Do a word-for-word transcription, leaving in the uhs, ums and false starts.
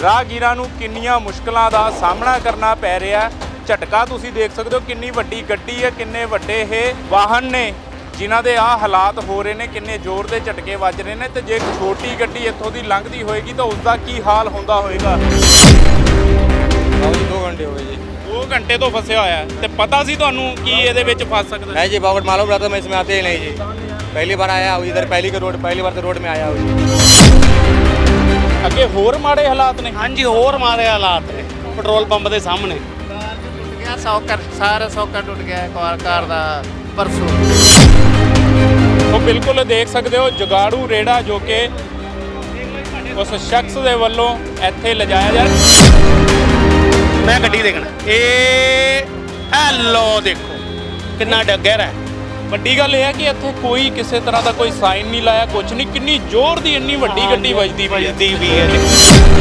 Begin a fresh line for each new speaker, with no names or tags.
ਰਾਹਗੀਰਾਂ ਨੂੰ ਕਿੰਨੀਆਂ ਮੁਸ਼ਕਲਾਂ ਦਾ ਸਾਹਮਣਾ ਕਰਨਾ ਪੈ ਰਿਹਾ। ਝਟਕਾ ਤੁਸੀਂ ਦੇਖ ਸਕਦੇ ਹੋ, ਕਿੰਨੀ ਵੱਡੀ ਗੱਡੀ ਹੈ, ਕਿੰਨੇ ਵੱਡੇ ਇਹ ਵਾਹਨ ਨੇ ਜਿਨ੍ਹਾਂ ਦੇ ਆਹ ਹਾਲਾਤ ਹੋ ਰਹੇ ਨੇ, ਕਿੰਨੇ ਜ਼ੋਰ ਦੇ ਝਟਕੇ ਵੱਜ ਰਹੇ ਨੇ। ਤੇ ਜੇ ਛੋਟੀ ਗੱਡੀ ਇੱਥੋਂ ਦੀ ਲੰਘਦੀ ਹੋਏਗੀ ਤਾਂ ਉਸ ਦਾ ਕੀ ਹਾਲ ਹੁੰਦਾ ਹੋਏਗਾ।
दो घंटे हो गए जी।
दो घंटे तो फंसिया होया है। ते पता सी तुहानू कि इहदे विच फस सकदा है?
नहीं जी, बहुत मालूम रहता, मैं इसमें आते ही नहीं जी। पहली बार आया हूँ इधर, पहली के रोड पहली बार तो रोड में आया हूँ।
ਅੱਗੇ ਹੋਰ ਮਾੜੇ ਹਾਲਾਤ ਨੇ।
ਹਾਂਜੀ ਹੋਰ ਮਾਰੇ ਹਾਲਾਤ ਨੇ ਪੈਟਰੋਲ ਪੰਪ ਦੇ ਸਾਹਮਣੇ।
ਟੁੱਟ ਗਿਆ ਸੌਕਰ, ਸਾਰਾ ਸੌਕਰ ਟੁੱਟ ਗਿਆ ਕਾਰ ਕਾਰ ਦਾ ਪਰਸੋਂ।
ਉਹ ਬਿਲਕੁਲ ਦੇਖ ਸਕਦੇ ਹੋ ਜਗਾੜੂ ਰੇੜਾ ਜੋ ਕਿ ਉਸ ਸ਼ਖਸ ਦੇ ਵੱਲੋਂ ਇੱਥੇ ਲਿਜਾਇਆ ਜਾ
ਮੈਂ ਗੱਡੀ ਦੇਖਣਾ, ਇਹ ਹੈਲੋ ਦੇਖੋ ਕਿੰਨਾ ਡੱਗਰ ਹੈ।
ਵੱਡੀ ਗੱਲ ਇਹ ਹੈ ਕਿ ਇੱਥੇ ਕੋਈ ਕਿਸੇ ਤਰ੍ਹਾਂ ਦਾ ਕੋਈ ਸਾਈਨ ਨਹੀਂ ਲਾਇਆ, ਕੁਝ ਨਹੀਂ। ਕਿੰਨੀ ਜ਼ੋਰ ਦੀ ਇੰਨੀ ਵੱਡੀ ਗੱਡੀ ਵੱਜਦੀ ਪਈ ਹੈ।
ਵੱਜਦੀ ਵੀ ਹੈ।